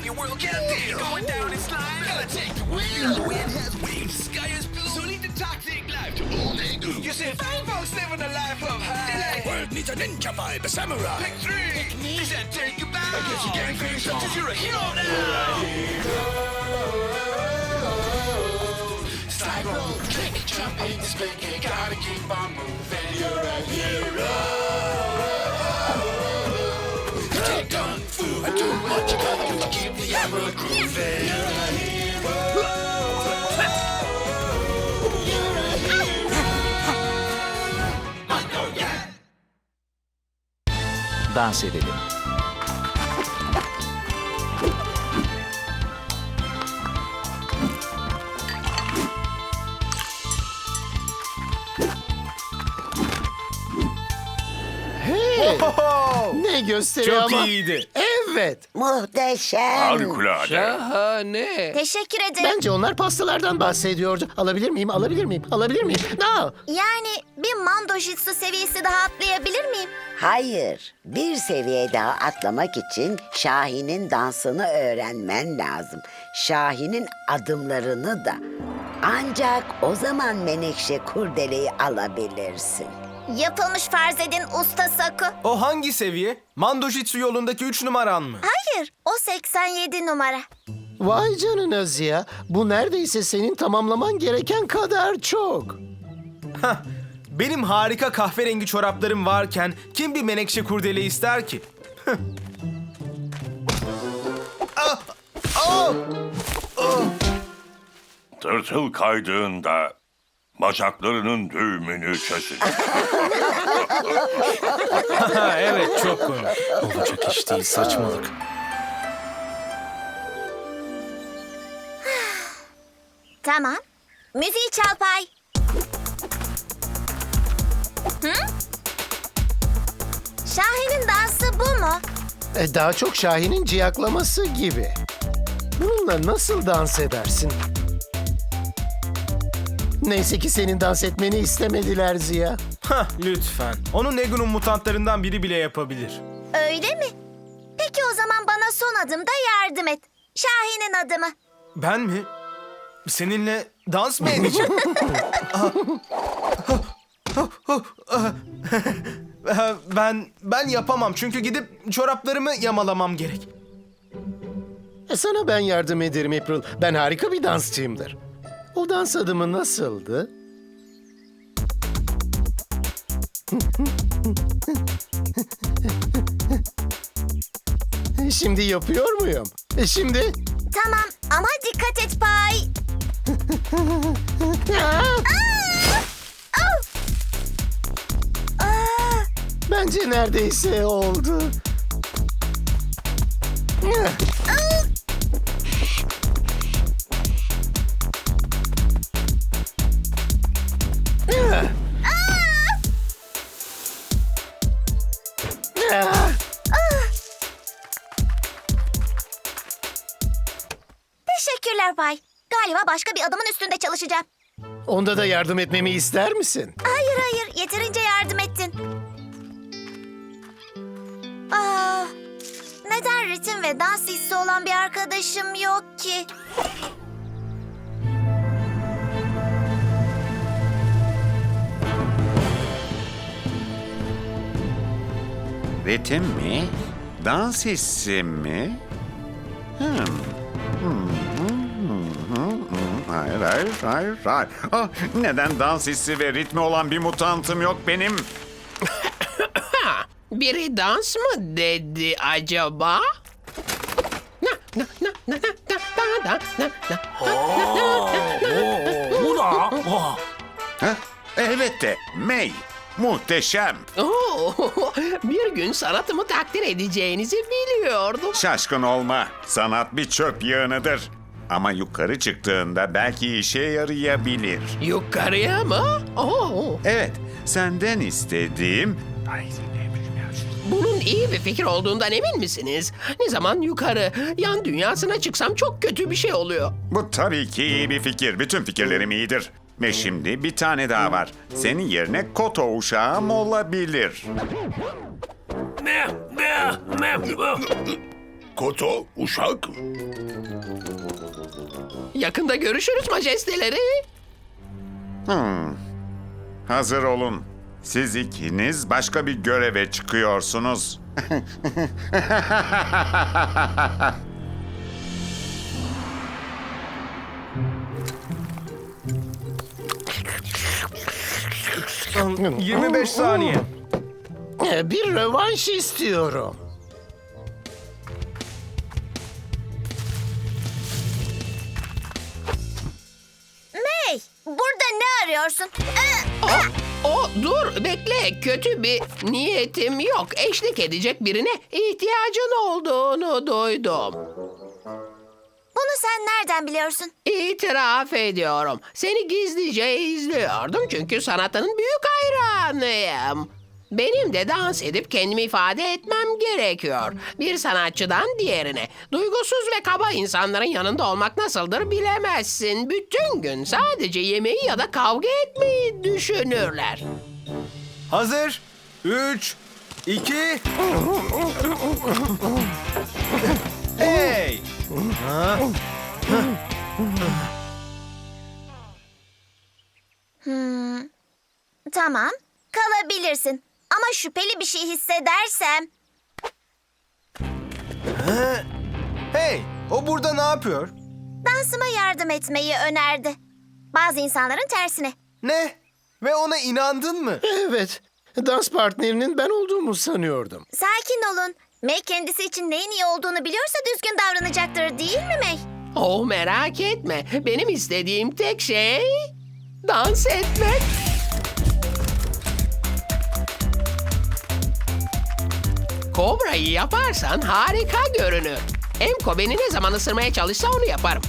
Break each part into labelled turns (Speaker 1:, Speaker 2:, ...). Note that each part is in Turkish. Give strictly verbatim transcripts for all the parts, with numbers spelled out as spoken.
Speaker 1: your world can deal. Going down in slime, gotta take the wheel. The wind has wings, the sky is blue. So lead the toxic life to all they do. You see, fine folks living a life of high. The world needs a ninja vibe, a samurai. Pick three. Pick me. They said take you back. I guess you can't finish up 'cause you're a hero now. Slide, roll, click, jump in, spin, you gotta keep on moving. You're a hero. You take kung fu and do what you gotta do to keep the arrow grooving. You're a hero. You're a hero. I know ya.
Speaker 2: Dans edelim.
Speaker 3: Ne gösteriyor
Speaker 4: Çok
Speaker 3: ama?
Speaker 4: iyiydi.
Speaker 3: Evet.
Speaker 5: Muhteşem.
Speaker 6: Harikulade.
Speaker 4: Şahane.
Speaker 7: Teşekkür ederim.
Speaker 3: Bence onlar pastalardan bahsediyordu. Alabilir miyim? Alabilir miyim? Alabilir miyim? No.
Speaker 7: Yani bir mando jitsu seviyesi daha atlayabilir miyim?
Speaker 5: Hayır, bir seviye daha atlamak için Şahin'in dansını öğrenmen lazım. Şahin'in adımlarını da. Ancak o zaman Menekşe kurdeleyi alabilirsin.
Speaker 7: Yapılmış farz edin usta Saku.
Speaker 4: O hangi seviye? Mando Jitsu yolundaki üç numaran mı?
Speaker 7: Hayır, o seksen yedi numara.
Speaker 3: Vay canına Ziya. Bu neredeyse senin tamamlaman gereken kadar çok.
Speaker 4: Hah, benim harika kahverengi çoraplarım varken kim bir menekşe kurdele ister ki? Ah! Ah!
Speaker 6: Tırtıl kaydığında bacaklarının düğümünü çözün.
Speaker 4: Ha, evet, çok komik. Olacak iş değil, saçmalık.
Speaker 7: Tamam. Müziği çal Pay. Hı? Şahin'in dansı bu mu?
Speaker 3: E, daha çok Şahin'in ciyaklaması gibi. Bununla nasıl dans edersin? Neyse ki senin dans etmeni istemediler Ziya.
Speaker 4: Hah, lütfen. Onu Negu'nun mutantlarından biri bile yapabilir.
Speaker 7: Öyle mi? Peki o zaman bana son adımda yardım et. Şahin'in adımı.
Speaker 4: Ben mi? Seninle dans mı edeceğim? ben ben yapamam çünkü gidip çoraplarımı yamalamam gerek.
Speaker 3: E, sana ben yardım ederim April. Ben harika bir dansçıyımdır. O dans adımı nasıldı? Şimdi yapıyor muyum? E, şimdi?
Speaker 7: Tamam ama dikkat et Pay. Aa! Au! Aa!
Speaker 3: Bence neredeyse oldu.
Speaker 7: Teşekkürler Pay. Galiba başka bir adamın üstünde çalışacağım.
Speaker 3: Onda da yardım etmemi ister misin?
Speaker 7: Hayır hayır, yeterince yardım ettin. Aa, neden ritim ve dans hissi olan bir arkadaşım yok ki?
Speaker 8: Ritim mi? Dans hissi mi? Hmm. Hmm, hmm, hmm, hmm. Hayır, hayır, hayır, hayır. Ah, neden dans hissi ve ritmi olan bir mutantım yok benim?
Speaker 9: Biri dans mı dedi acaba? Na na na na na na na na
Speaker 6: Bu da.
Speaker 8: Heh, elbette, May. Muhteşem.
Speaker 9: Oo, bir gün sanatımı takdir edeceğinizi biliyordum.
Speaker 8: Şaşkın olma. Sanat bir çöp yığınıdır. Ama yukarı çıktığında belki işe yarayabilir.
Speaker 9: Yukarıya mı? Oo,
Speaker 8: Evet, senden istediğim...
Speaker 9: bunun iyi bir fikir olduğundan emin misiniz? Ne zaman yukarı, yan dünyasına çıksam çok kötü bir şey oluyor.
Speaker 8: Bu tabii ki iyi bir fikir. Bütün fikirlerim iyidir. Ve şimdi bir tane daha var. Senin yerine Koto uşağım olabilir.
Speaker 1: Koto, uşak.
Speaker 9: Yakında görüşürüz majesteleri.
Speaker 8: Hazır olun. Siz ikiniz başka bir göreve çıkıyorsunuz.
Speaker 4: yirmi beş saniye.
Speaker 3: Ee, Bir rövanş istiyorum.
Speaker 7: May, burada ne arıyorsun? Ee,
Speaker 9: O, o dur bekle, kötü bir niyetim yok. Eşlik edecek birine ihtiyacın olduğunu duydum.
Speaker 7: Bunu sen nereden biliyorsun?
Speaker 9: İtiraf ediyorum. Seni gizlice izliyordum çünkü sanatının büyük hayranıyım. Benim de dans edip kendimi ifade etmem gerekiyor. Bir sanatçıdan diğerine. Duygusuz ve kaba insanların yanında olmak nasıldır bilemezsin. Bütün gün sadece yemeği ya da kavga etmeyi düşünürler.
Speaker 4: Hazır. Üç, iki... Hey! Ha?
Speaker 7: Tamam, kalabilirsin. Ama şüpheli bir şey hissedersem...
Speaker 4: Hey! O burada ne yapıyor?
Speaker 7: Dansıma yardım etmeyi önerdi. Bazı insanların tersine.
Speaker 4: Ne? Ve ona inandın mı?
Speaker 3: Evet, dans partnerinin ben olduğumu sanıyordum.
Speaker 7: Sakin olun. May kendisi için neyin iyi olduğunu biliyorsa düzgün davranacaktır, değil mi May?
Speaker 9: Oh merak etme. Benim istediğim tek şey dans etmek. Kobra'yı yaparsan harika görünür. Emko beni ne zaman ısırmaya çalışsa onu yaparım.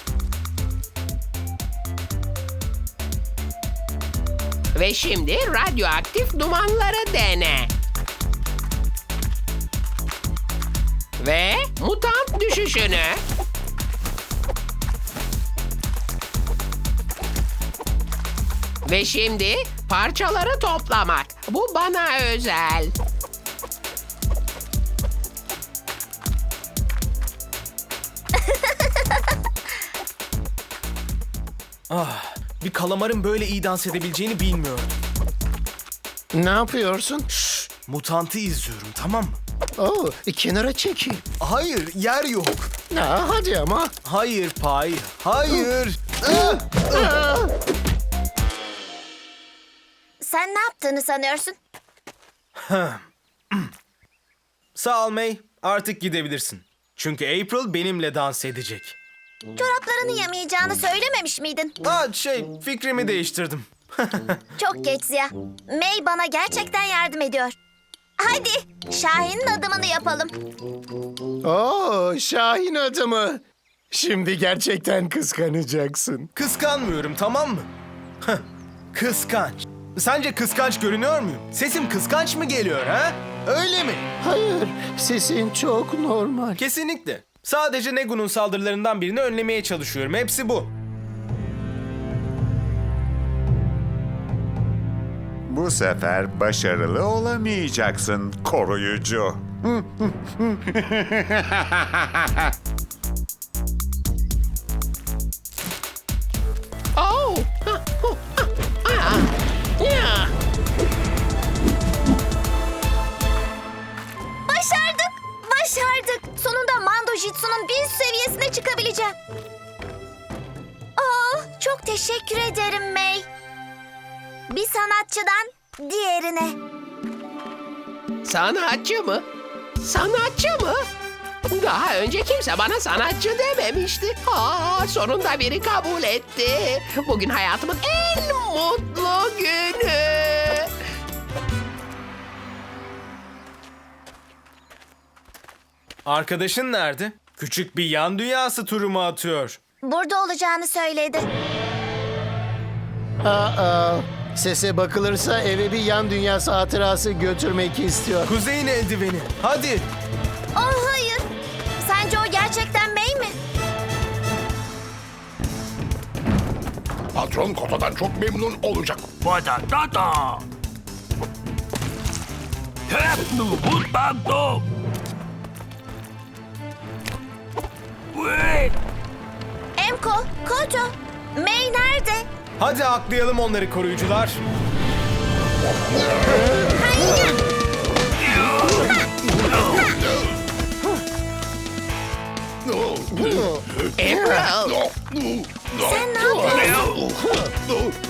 Speaker 9: Ve şimdi radyoaktif dumanları dene. Ve mutant düşüşünü. Ve şimdi parçaları toplamak. Bu bana özel.
Speaker 4: Ah, bir kalamarın böyle iyi dans edebileceğini bilmiyordum.
Speaker 3: Ne yapıyorsun?
Speaker 4: Mutantı izliyorum, tamam mı?
Speaker 3: Oo, kenara çekil.
Speaker 4: Hayır, yer yok.
Speaker 3: Aa, hadi ama.
Speaker 4: Hayır Pay, hayır.
Speaker 7: Sen ne yaptığını sanıyorsun?
Speaker 4: Sağ ol May, artık gidebilirsin. Çünkü April benimle dans edecek.
Speaker 7: Çoraplarını yamayacağını söylememiş miydin?
Speaker 4: Aa, şey, fikrimi değiştirdim.
Speaker 7: Çok geç Ziya. May bana gerçekten yardım ediyor. Hadi Şahin'in adımını yapalım.
Speaker 3: Oo, Şahin adımı. Şimdi gerçekten kıskanacaksın.
Speaker 4: Kıskanmıyorum, tamam mı? Heh, kıskanç. Sence kıskanç görünüyor muyum? Sesim kıskanç mı geliyor ha? Öyle mi?
Speaker 3: Hayır, sesin çok normal.
Speaker 4: Kesinlikle. Sadece Negu'nun saldırılarından birini önlemeye çalışıyorum. Hepsi bu.
Speaker 8: Bu sefer başarılı olamayacaksın koruyucu.
Speaker 9: Oh! Ah, oh, ah, ah, ya.
Speaker 7: Başardık. Başardık. Sonunda Mando Jitsu'nun bir üst seviyesine çıkabileceğim. Oh, çok teşekkür ederim May. Bir sanatçıdan diğerine.
Speaker 9: Sanatçı mı? Sanatçı mı? Daha önce kimse bana sanatçı dememişti. Aa, sonunda biri kabul etti. Bugün hayatımın en mutlu günü.
Speaker 4: Arkadaşın nerede? Küçük bir yan dünyası turu mu atıyor?
Speaker 7: Burada olacağını söyledi.
Speaker 3: Aa, sese bakılırsa eve bir yan dünyası hatırası götürmek istiyor.
Speaker 4: Kuzey'in eldiveni. Hadi.
Speaker 7: Oh hayır. Sence o gerçekten May mi?
Speaker 1: Patron Koto'dan çok memnun olacak. Vada da da. Hep nu but bando.
Speaker 4: Hadi aklayalım onları koruyucular.
Speaker 9: April!
Speaker 7: Sen ne yapıyorsun?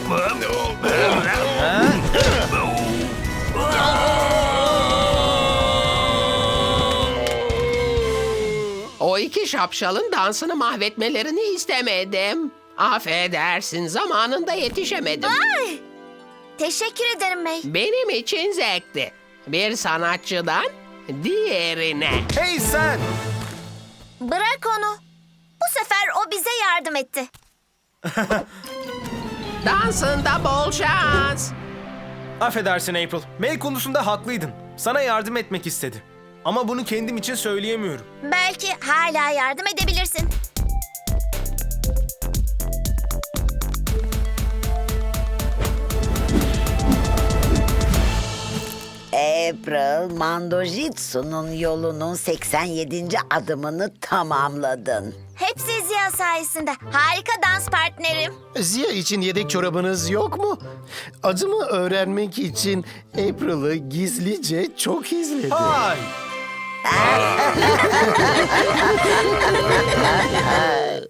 Speaker 9: O iki şapşalın dansını mahvetmelerini istemedim. Affedersin, zamanında yetişemedim.
Speaker 7: Ay! Teşekkür ederim May.
Speaker 9: Benim için zevkti. Bir sanatçıdan diğerine.
Speaker 4: Hey sen!
Speaker 7: Bırak onu. Bu sefer o bize yardım etti.
Speaker 9: Dansında bol şans.
Speaker 4: Affedersin April. May konusunda haklıydın. Sana yardım etmek istedi. Ama bunu kendim için söyleyemiyorum.
Speaker 7: Belki hala yardım edebilirsin.
Speaker 5: April, Mandojitsu'nun yolunun seksen yedinci adımını tamamladın.
Speaker 7: Hepsi Ziya sayesinde. Harika dans partnerim.
Speaker 3: Ziya için yedek çorabınız yok mu? Adımı öğrenmek için April'ı gizlice çok izledi.
Speaker 4: Hay!